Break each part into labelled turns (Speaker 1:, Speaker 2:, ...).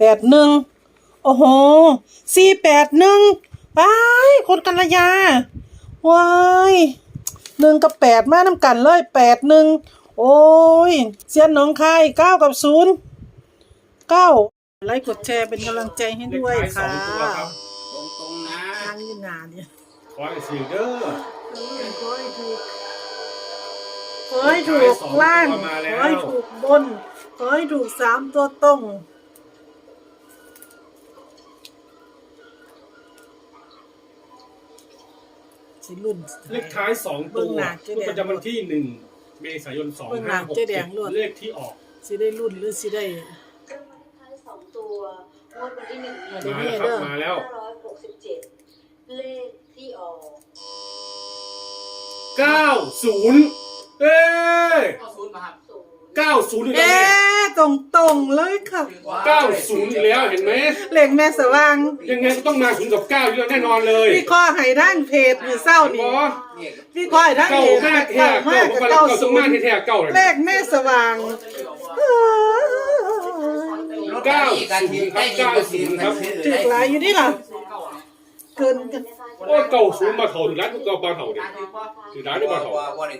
Speaker 1: 81โอ้โห481ไปคนกัลยาว้าย1กับ8มานำกันเลย81โอ้ยเซียนหนองคาย9กับ0 9ไลค์กดแชร์เป็นกำลังใจให้ด้วยค่ะ
Speaker 2: ตรงๆนะ
Speaker 1: นั่งอยู่หน้าเนี่ย
Speaker 3: ขอให้สื่อเด้อ
Speaker 1: ขอให้ถูกล่างขอให้ถูกบนขอให้ถูก3ตัวตรงสิรุ่น
Speaker 3: เลขท้าย2ตัวประจำวันที่1เมษายน2567เลขที่ออก
Speaker 1: สิได้รุ่นหรือสิได้
Speaker 4: ท้าย2ตัวงวดวันที่1
Speaker 3: มาแล้ว
Speaker 4: 567เลขที่ออก
Speaker 3: 90เอ้ย
Speaker 2: 90มาครับ
Speaker 3: 90อีกแล้ว
Speaker 1: ตรงเลยค่ะ
Speaker 3: 90อีกแล้วเห็นไหม
Speaker 1: เลขแม่สว่าง
Speaker 3: ยังไงก็ต้องมา0กับ9อยู่แล้วแน่นอนเลย
Speaker 1: พี่ข้อให้ทางเพจมื้อเช้านี่พี่ข้อให้ทางเพจ
Speaker 3: เก้ามากแท้เก้าต้องมาแท้เก้าเลย
Speaker 1: เลขแม่สว่าง
Speaker 3: 90ครับ90ครับ
Speaker 1: ถึกหลายอยู่นี่ล่ะเกินกัน
Speaker 3: โอ้90มาเท่าถึงร้านก็มาเท่าดิถึงร้านก็มาเท่า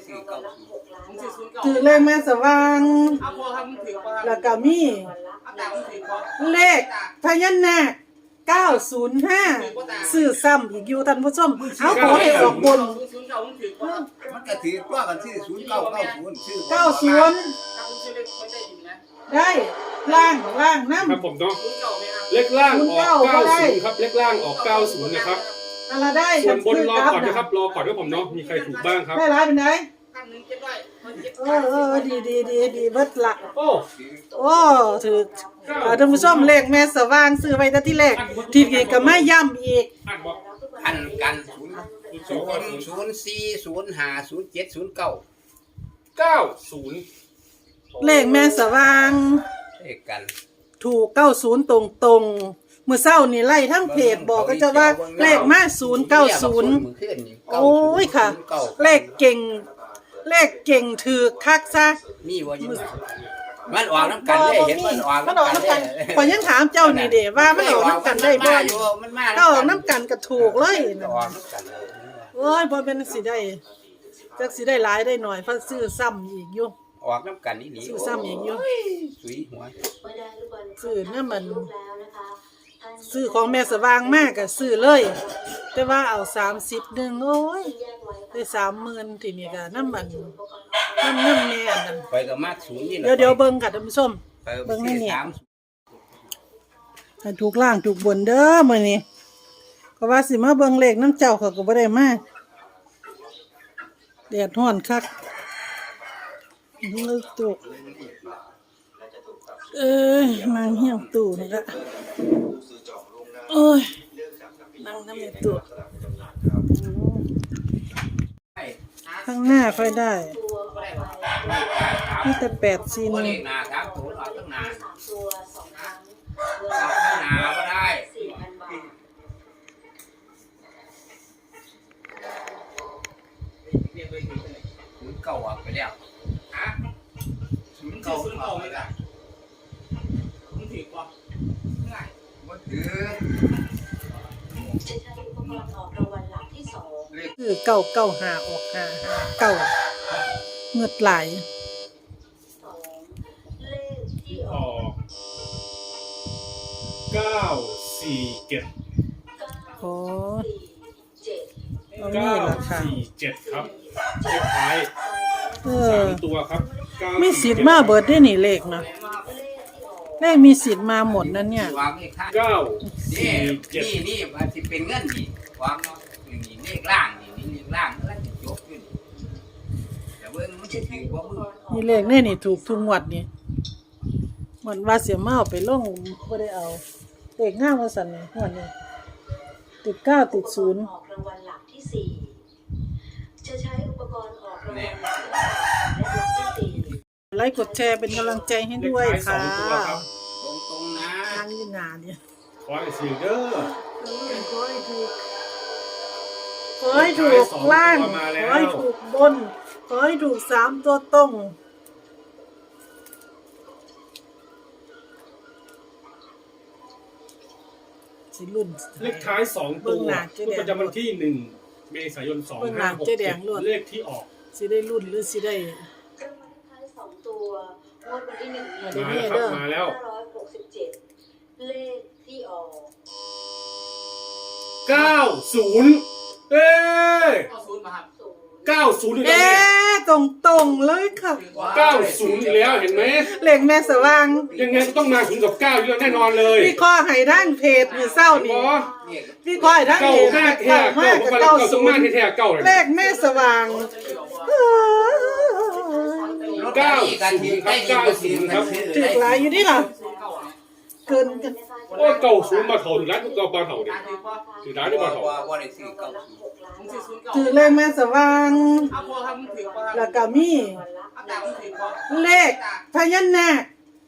Speaker 1: ถือเลขแม่สว่างแล้วก็มีเลขพญานาค905ซื้อซ้ำอีกอยู่ท่านผู้ชมเอาขอให้ออกบน
Speaker 2: มันก็ถือว่ากันที่0990ชื่อ
Speaker 1: 90ได้ล่างนำ
Speaker 3: ครับผมเนาะเลขล่างออก90ครับเลขล่างออก90นะครับ
Speaker 1: อะไรได้
Speaker 3: ส่วนบนรอก่อนนะครับรอก่อนด้วยผมเนาะมีใครถูกบ้างครับ
Speaker 1: ได้ร้ายเป็นไงดีเบิดละโอ้ถือท่านผู้ชมเลขแม่สว่างซื้อไว้แต่ที่แรกทีนี้ก็มาย้ำอีก
Speaker 2: อันกัน
Speaker 3: 00405070990
Speaker 1: เลขแม่สว่าง
Speaker 2: เลขกัน
Speaker 1: ถูก90ตรงๆมื้อเช้านี่ไล่ทั้งเพจบอกก็จะว่าเลขมา090โอ้ยค่ะเลขเก่งถือคักซะ
Speaker 2: มีบ่อยู่มันออกน้ำกันได้เห็นมันออก
Speaker 1: น้ำกันข่อยยังถามเจ้านี่เด้ว่ามันออกน้ำกันได้บ่ถ้าออกน้ำกันก็ถูกเลยโอ้ยบ่เป็นสิได้จักสิได้หลายได้หน่อยเพราะซื้อซ้ำอีกอยู่
Speaker 2: ออกน้ำกันนี่
Speaker 1: ซื้อซ้ำอีกอยู่
Speaker 2: สุยหัว
Speaker 1: ซื้อเนี่ยมันซื้อของแม่สว่างมากก็ซื้อเลยแต่ว่าเอา30นึงโอ้ยได้30,000ทีนี้ก็น้ำมันแม่นั่น
Speaker 2: ไปก็มากสูงนี่
Speaker 1: เดี๋ยวเบิ่งค่ะท่านผู้ชมเบิ่งนี่ให้ถูกล่างถูกบนเด้อมื้อนี้ก็ว่าสิมาเบิ่งเลขน้ำเจ้าเขาก็บ่ได้มาแดดร้อนคักนึกตุกนั่งเหี่ยวตู่นี่ละโอ้ยนั่งทำในตู่ข้างหน้าค่อยได้นี่แต่8-4
Speaker 2: นี่นาครับตัวออกตั้งนานนาก็ได้เก่าไปแล้วเก่าไปแล้วมันถือกว่าง่ายมันถือ
Speaker 1: คือ995ออก559เงือดไหล
Speaker 3: ออก947
Speaker 1: โอ้
Speaker 3: 947ครับเลขท้าย3ตัวครับ
Speaker 1: มีสิทธิ์มาเบิดได้นี่เลขนะเลขมีสิทธิ์มาหมดนั่นเนี่ย
Speaker 3: 947
Speaker 2: นี่มันสิเป็นเงินนี่วางนี่เลขล่างนี่เลขล่างแล้วจะยกขึ้นแต่เบิ่งมันสิถือบ่มือ
Speaker 1: นี่เลขนี่ถูกทุกงวดนี่เหมือนว่าเสียมาเอาไปลงบ่ได้เอาเลขงามว่าซั่นนี่งวดนี้ติด9ติด0
Speaker 4: ออกรางวัลหลักที่4จะใช้อุปกรณ์ออกรางวัลหลักที่4
Speaker 1: ไลค์กดแชร์เป็นกำลังใจให้ด้วยค่ะ
Speaker 2: ตรงๆนะ
Speaker 1: นั่งอยู่หน้าเนี่ย
Speaker 3: ขอให้สื่อเด้อ
Speaker 1: ขอให้ถูกล่างขอให้ถูกบนขอให้ถูก3ตัวตรงสิรุ่น
Speaker 3: เลขท้าย2ตัวประจำวันที่1เมษายน2567เลขที่ออก
Speaker 1: สิได้รุ่นหรือสิได้
Speaker 4: รางวัลเลขท้าย2ตัวงวดวันที่1
Speaker 3: มาแล้ว
Speaker 4: 567เลขที่ออก
Speaker 3: 90เอ้ย
Speaker 2: 90มาครับ
Speaker 3: 90อีกแล้ว
Speaker 1: ตรงเลยค่ะ
Speaker 3: 90อีกแล้วเห็นไหม
Speaker 1: เลขแม่สว่าง
Speaker 3: ยังไงก็ต้องมา0กับ9อยู่แล้วแน่นอนเลย
Speaker 1: พี่ข้อให้ทางเพจมื้อเช้านี่พี่ข้อให้ทางเพจ
Speaker 3: เก้า5แท้เก้าต้องมาแท้ๆเก้าเลย
Speaker 1: เลขแม่สว่าง
Speaker 3: 90ครับ90ครับ
Speaker 1: ถึกหลายอยู่นี่ล่ะเกินกัน
Speaker 3: โอ้90มาเท่าถึงร้านก็มาเท่าดิถึงร้านได้มาเท่า
Speaker 2: ว่าได้ซื้อ90
Speaker 1: ถือเลขแม่สว่าง
Speaker 2: เอาพอครับมึงถือพอ
Speaker 1: แล้วก็มี
Speaker 2: เอาตามึงถือพอ
Speaker 1: เลขพญานาค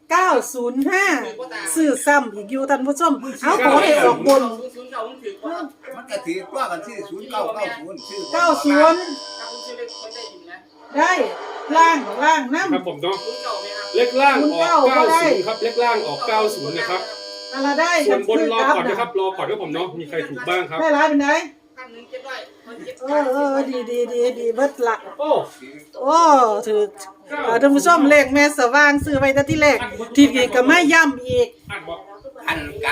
Speaker 1: 905ซื้อซ้ำอีกอยู่ท่านผู้ชมเอาขอให้ออกบน
Speaker 2: 09มึงถือพอ
Speaker 5: มันก็ถือว่ากันชื่อ0990ชื่อ
Speaker 1: 90
Speaker 2: ถ้าคุณซื้อเลขคนได้ยินนะ
Speaker 1: ได้ล่างน้ำ
Speaker 3: ครับผมเนาะ
Speaker 2: 09ไหมครับ
Speaker 3: เลขล่างออก90ครับเลขล่างออก90นะครับ
Speaker 1: อะไรได้
Speaker 3: ส่วนบนรอก่อนนะครับรอก่อนด้วยผมเนาะมีใครถูกบ้างครับ
Speaker 1: ได้ร้ายเป็นไง
Speaker 2: ตั้ง1 7ด้วยมัน7
Speaker 1: ดีเบิดละ
Speaker 3: โอ้
Speaker 1: โอ้ถือท่านผู้ชมเลขแม่สว่างซื้อไว้แต่ที่แรกทีนี้ก็ไม่ย่ำอีก
Speaker 3: อันบอก
Speaker 2: อันกัน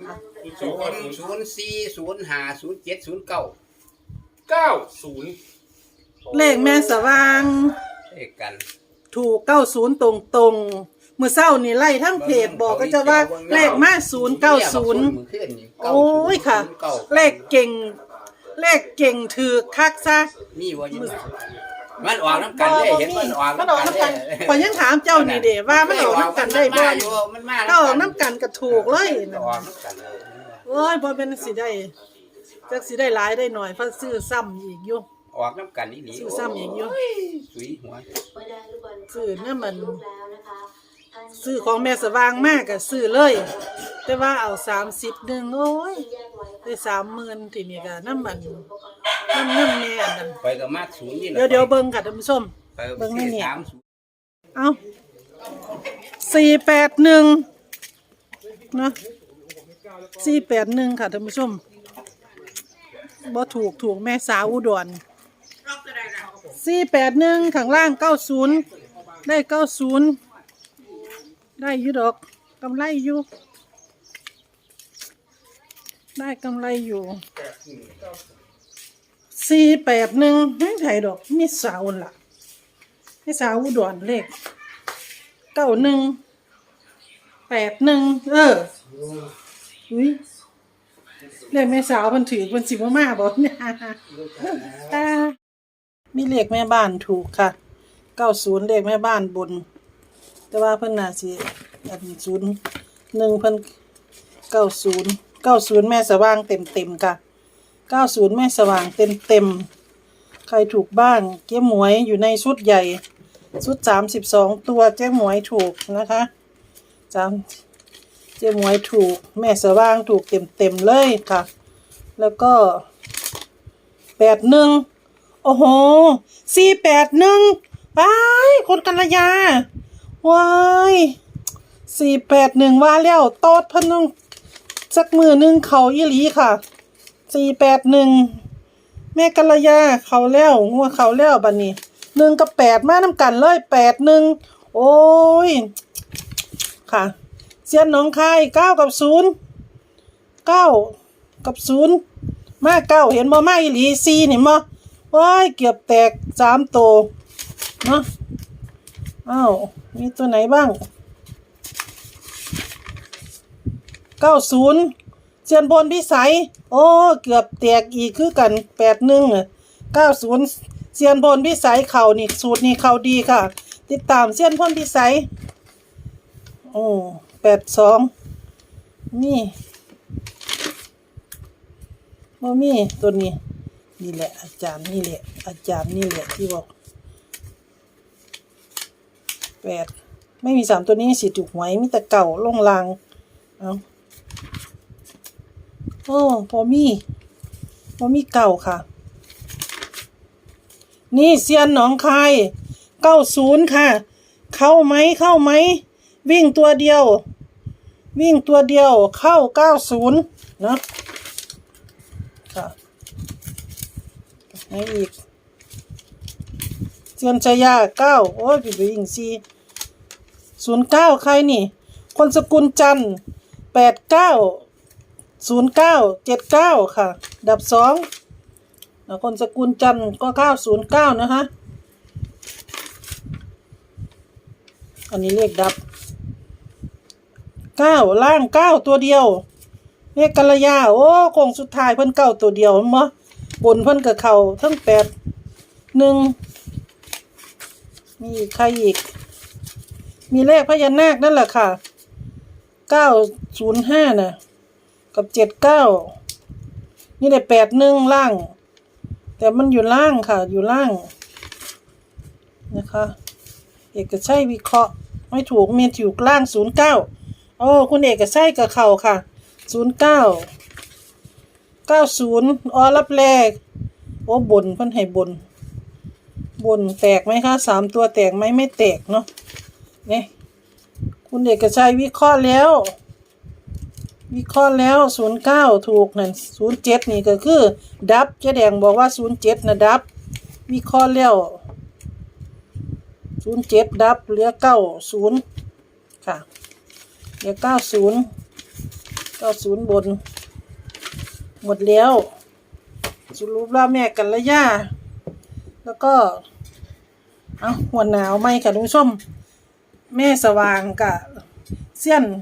Speaker 2: 004050709
Speaker 3: 90
Speaker 1: เลขแม่สว่าง
Speaker 2: เลขกัน
Speaker 1: ถูก90ตรงๆมื้อเช้านี่ไล่ทั้งเพจบอกก็จะว่าเลขมา090โอ้ยค่ะ เลขเก่งถือคักซะ
Speaker 2: มีบ่อยู่มันออกน้ำกันได้เห็นมันออก
Speaker 1: มันออกน้ำกันข่อยยังถามเจ้านี่เด้ว่ามันออกน้ำกันได้บ่
Speaker 2: มันมา
Speaker 1: ถ้าออกน้ำกันก็ถูกเลย
Speaker 2: ออกน้ำกัน
Speaker 1: โอ้ยบ่เป็นสิได้จักสิได้หลายได้หน่อยเพราะซื้อซ้ำอีกอยู่
Speaker 2: ออกน้ำกันนี่หนี
Speaker 1: ซื้อซ้ำอีกอยู่
Speaker 2: สุยหัว
Speaker 1: ซื้อเนี่ยมันซื้อของแม่สว่างมากก็ซื้อเลย แต่ว่าเอา30นึงโอ้ยได้30,000ทีนี้ก็น้ำมันน้ำแม่อันนั้น
Speaker 2: ไปกับมาศูนย์นี่
Speaker 1: เดี๋ยวเบิ่งค่ะท่านผู้ชมเบิ่งให้เนี่ยเอา481เนาะ481ค่ะท่านผู้ชมบ่ถูกแม่สาวอุดร481ข้างล่าง90ได้90ได้อยู่ดอกกำไรอยู่ได้กำไรอยู่481ไม่ไผดอกมีสาวล่ะมีสาวอุดรเลข9181อุ้ยเลขแม่สาวเพิ่นถือเพิ่นสิบ่มาบ่เนี่ยมีเลขแม่บ้านถูกค่ะ90เลขแม่บ้านบนแต่ว่าเพิ่นน่าสิอัน01เพิ่น90แม่สว่างเต็มๆค่ะ90แม่สว่างเต็มใครถูกบ้างเจ๊หมวยอยู่ในชุดใหญ่ชุด32ตัวเจ๊หมวยถูกนะคะเจ๊หมวยถูกแม่สว่างถูกเต็มเลยค่ะแล้วก็81โอ้โห481ว้ายคนกัลยาว้าย481ว่าแล้วโตดเพิ่นต้องสักมือนึงเขาอีหลีค่ะ481แม่กัลยาเขาแล้วงัวเขาแล้วบัดนี้1กับ8มานํกันเลย81โอ้ยค่ะเสียนหนองคาย9กับ0 9กับ0มา9เห็นบ่มาอีหลี4นี่บ่ว้ายเกือบแตก3ตัวเนาะอ้าวมีตัวไหนบ้าง90เสียนบนพิสัยโอ้เกือบแตกอีกคือกัน81 90เสียนบนพิสัยเข่านี่สูตรนี่เข่าดีค่ะติดตามเสียนพนพิสัยโอ้82นี่บ่มีตัวนี้นี่แหละอาจารย์นี่แหละที่บอก8ไม่มี3ตัวนี้สิถูกหวยมีแต่เก่าลงลางเอาโอ้พอมีเก่าค่ะนี่เซียนหนองคาย90ค่ะเข้าไหมวิ่งตัวเดียววิ่งตัวเดียวเข้า90นะค่ะให้อีกเซียนชายา9โอ้ยพี่ไปวิ่ง09ใครนี่คนสกุลจันทร์890979ค่ะดับ2แล้วคนสกุลจันทร์ก็909นะคะอันนี้เลขดับ9ล่าง9ตัวเดียวเลขกัลยาโอ้คงสุดท้ายเพิ่น9ตัวเดียวมั้งบนเพิ่นกับเขาทั้ง81มีใครอีกมีเลขพญานาคนั่นแหละค่ะ905น่ะกับ79นี่ได้81ล่างแต่มันอยู่ล่างค่ะอยู่ล่างนะคะเอกชัยวิเคราะห์ไม่ถูกเมียถูกล่าง09โอ้คุณเอกชัยกับเขาค่ะ09 90รับแรกโอ้บนเพิ่นให้บนแตกไหมคะ3ตัวแตกไหมไม่แตกเนาะนี่คุณเอกชัยวิเคราะห์แล้ว09ถูกนั่น07นี่ก็คือดับเจ๊แดงบอกว่า07นะดับวิเคราะห์แล้ว07ดับเหลือ90ค่ะเหลือ90บนหมดแล้วสรุปแล้วแม่กันละย่าแล้วก็หัวหนาวไหมค่ะทุกผู้ชมแม่สว่างกะเสี้ยน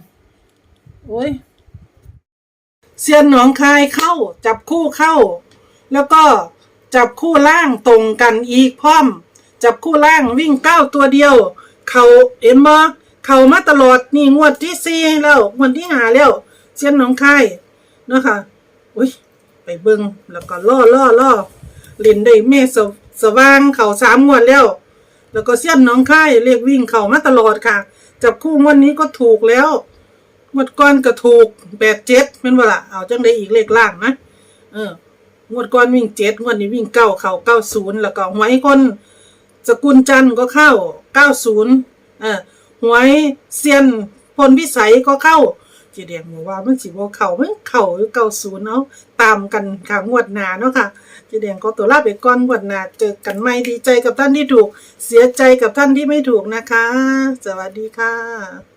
Speaker 1: เสี้ยนหนองคายเข้าจับคู่เข้าแล้วก็จับคู่ล่างตรงกันอีกพร้อมจับคู่ล่างวิ่ง9ตัวเดียวเขาเห็นบ่เขามาตลอดนี่งวดที่4แล้วงวดที่5แล้วเสี้ยนหนองคายเนาะค่ะไปเบิ่งแล้วก็ล่อเล่นได้แม่สว่างเขา3งวดแล้วก็เสี้ยนหนองคายเลขวิ่งเขามาตลอดค่ะจับคู่งวดนี้ก็ถูกแล้วงวดก่อนก็ถูก87เป็นบ่ล่ะเอาจังได้อีกเลขล่างนะงวดก่อนวิ่ง7งวดนี้วิ่ง9เข้า90แล้วก็หวยคนสกุลจันทร์ก็เข้า90หวยเซียนพลพิสัยก็เข้าเจ๊แดงบอกว่ามันสิบ่เข้ามันเข้าอยู่90เนาะตามกันค่ะงวดหน้าเนาะค่ะเจ๊แดงขอตัวลาไปก่อนงวดหน้าเจอกันใหม่ดีใจกับท่านที่ถูกเสียใจกับท่านที่ไม่ถูกนะคะสวัสดีค่ะ